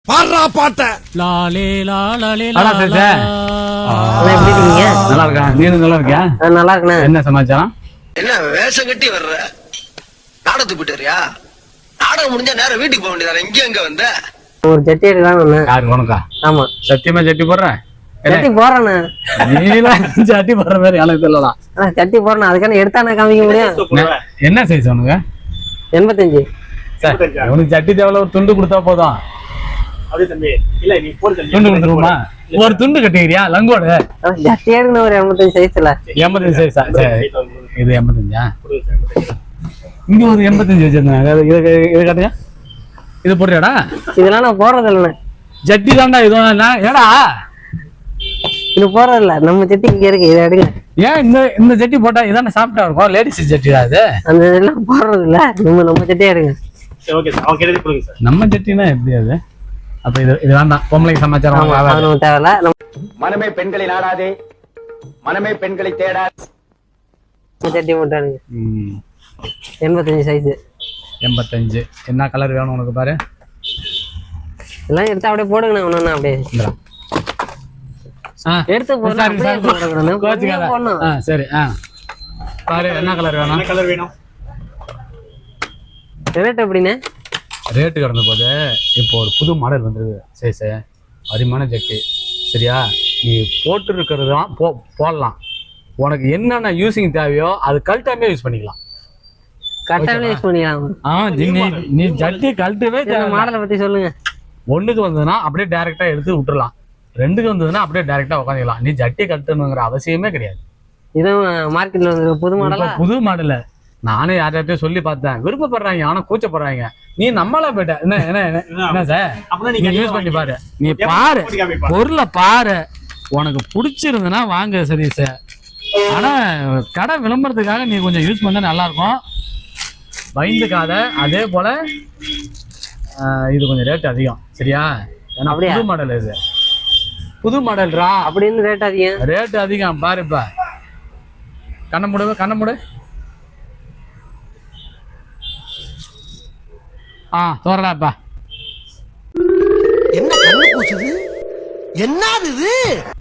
பாடுறா பாட்ட லாலே லாலே நல்லா இருக்கா? நீ நல்லா இருக்கியா? நல்லா இருக்கண்ணே. என்ன சமாச்சாரம்? என்ன வேஷம் கட்டி வர்ற? நாடகத்துக்கு போயிட்டு வரியா? நாடகம் முடிஞ்சா நேரம் வீட்டுக்கு போக வேண்டியதானே, இங்க எங்க வந்த? ஒரு ஜட்டி எடுக்கலாம். யாருக்கு உனக்கா? ஆமா, சத்தியமா ஜட்டி போடுறேன். ஜட்டி போடுறேண்ணே. நீலாம் ஜட்டி போடுற மாதிரி எனக்கு தெரியலாம். ஜட்டி போடுறேன், அதுக்கான எடுத்தானே காமிக்க முடியும். என்ன சைஸ் உனக்கு? 85. உனக்கு ஜட்டி தேவையில்ல, ஒரு துண்டு கொடுத்தா போதும். துண்டு கொடுத்துருவோமா? ஒரு துண்டு கட்டிக்கிறியா லங்கோடு? ஜட்டி எடுக்கணும் ஒரு 85 சைஸ்ல. 85 சைஸா? இது 85. இங்க ஒரு 85 வச்சிருந்தாங்க. இது கட்டியா? இது போடுறியாடா? இதெல்லாம் நான் போடுறது இல்லைண்ணே. ஜட்டி தான்டா இதுவும். ஏடா இது போடுறது இல்ல, நம்ம ஜட்டி இங்க இருக்கு, இதை எடுங்க. ஏன் இந்த ஜட்டி போட்டா இதானே சாப்பிட்டா இருக்கும்? லேடிஸ் ஜட்டிடா அது. அந்த இதெல்லாம் போடுறது இல்ல, நம்ம ஜட்டியே எடுங்க. நம்ம ஜட்டினா எப்படி அது? அப்ப இது வேண்டாம். பொம்பளைக்கு சமாச்சாரம் தேவையில்ல. மனமே பெண்களை நாடாதே, மனமே பெண்களை தேடாது. ஜட்டி போட்டானுங்க. 85 சைஸ். 85. என்ன கலர் வேணும் உனக்கு பாரு? எல்லாம் எடுத்து அப்படியே போடுங்கண்ணா. ஒண்ணு அப்படியே எடுத்து போடணும். சரி. பாரு என்ன கலர் வேணும்? ரேட் எப்படின்னு ரேட்டு கிடந்த போது இப்போ ஒரு புது மாடல் வந்துருது. சரி அருமையான ஜட்டி. சரியா? நீ போட்டு இருக்கிறது தான் போடலாம். உனக்கு என்னென்ன யூஸிங் தேவையோ அது கழட்டாமே யூஸ் பண்ணிக்கலாம். யூஸ் பண்ணிக்கலாம். நீ ஜட்டி கழட்டவே மாடலை பத்தி சொல்லுங்க. ஒண்ணுக்கு வந்ததுன்னா அப்படியே டைரக்டா எடுத்து விட்டுறலாம். ரெண்டுக்கு வந்ததுன்னா அப்படியே டைரக்டா உட்காந்துக்கலாம். நீ ஜட்டி கழட்டணுங்கிற அவசியமே கிடையாது. இதுவும் மார்க்கெட்ல வந்து புது மாடல். நானே யார்கிட்டயும் சொல்லி பார்த்தேன், விருப்பப்படுறாங்க, ஆனா கூச்சப்படுறாங்க. நீ நம்மளா போயிட்ட. என்ன சார், நீ யூஸ் பண்ணி பாரு. நீ பாரு, பொருளை பாரு, உனக்கு பிடிச்சிருந்ததுன்னா வாங்க. சரி சார், ஆனா கடை விளம்பரத்துக்காக நீ கொஞ்சம் யூஸ் பண்ண நல்லா இருக்கும். பயந்துக்காத. அதே போல இது கொஞ்சம் ரேட் அதிகம். சரியா? ஏன்னா புது மாடல், இது புது மாடல்ரா அப்படின்னு ரேட் அதிகம். பாரு, இப்ப கண்ண மூடு. தோறடாப்பா. என்ன கண்ணு பூசுது? என்னது இது?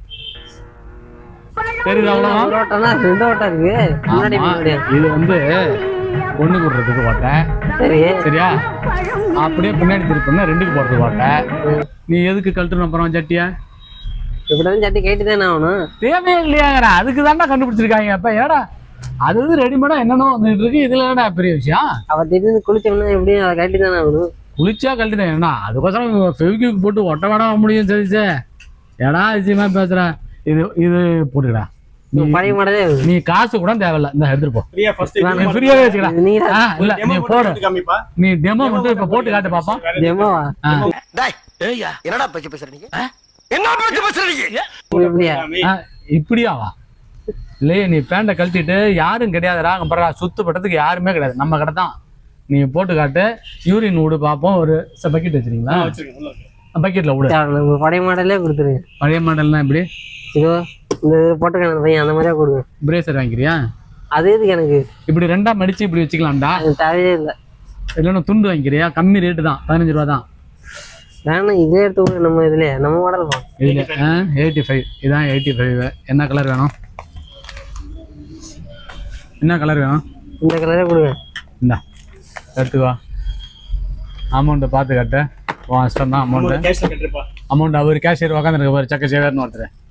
தெரியுது அவ்வளவுதான். இது வந்து ஒண்ணு போடுறதுக்கு ஓட்டேன். சரியா? அப்படியே பின்னாடி திருப்பினா 2க்கு போடுறதுக்கு ஓட்டேன். நீ எதுக்கு கழட்டணும் அப்புறம் ஜட்டியா? இப்படிதான் ஜட்டி கேட்டுதானே ஆகணும். தேவையே இல்லையாங்கிற அதுக்கு தாண்டா கண்டுபிடிச்சிருக்காங்க. அப்ப ஏடா அது ரெடிமேடா என்னென்ன வந்துட்டு இருக்கு. இதுல என்னடா பெரிய விஷயம்? அவ திடீர்னு குளிச்சோம்னா எப்படியும் அதை கழட்டி தானே ஆகணும். குளிச்சா கழட்டிதான். ஏன்னா அதுக்கோசரம் ஃபெவிக்விக் போட்டு ஒட்ட வேட முடியும். சரிச்சே, ஏடா விஷயமா பேசுற. இது போட்டுக்கடா. பழைய மாடலே. நீ காசு கூட தேவையில்ல, இந்த எடுத்துட்டு போ. ஃப்ரீயாவே வச்சுக்கலாம். இல்ல நீ போடு. நீ டெமோ மட்டும் இப்ப போட்டு காட்டு பாப்போம். டெமோவா? என்னடா பேச்சு பேசுறீங்க? என்ன பேச்சு பேசுறீங்க? இப்படியாவா? இல்லையே, நீ பேண்ட கழட்டிட்டு யாரும் கிடையாதுடா. அங்க பாரு, சுத்தப்பட்டதுக்கு யாருமே கிடையாது. நம்ம கடை தான். நீ போட்டு காட்டு. யூரின் விடு பாப்போம். ஒரு பக்கெட் வச்சிருக்கீங்களா? பக்கெட்ல விடு. பழைய மாடலே கொடுத்துருங்க. பழைய மாடல்னா எப்படி? இதோ இந்த போட்டுக்கான பையன் அந்த மாதிரியா கொடுங்க. பிரேசர் வாங்கிக்கிறியா? அது எதுக்கு எனக்கு? இப்படி 2ஆ மடிச்சு இப்படி வச்சுக்கலாம்டா. தேவையே இல்லை. இல்லைன்னா துண்டு வாங்கிக்கிறியா? கம்மி ரேட்டு தான், 15 ரூபா தான். வேணா இதே எடுத்து நம்ம இதுல நம்ம மாடல் இதுல 85. இதான் 85. என்ன கலர் வேணும்? என்ன கலர் வேணும்? இந்த கலரே கொடுங்க. இந்தா எடுத்துக்கோ. அமௌண்ட்டை பார்த்து கட்ட. இஷ்டம் தான் அமௌண்ட். அவர் கேஷியர் உட்காந்துருக்க பாரு. சக்க சேவர்னு ஒருத்தர்.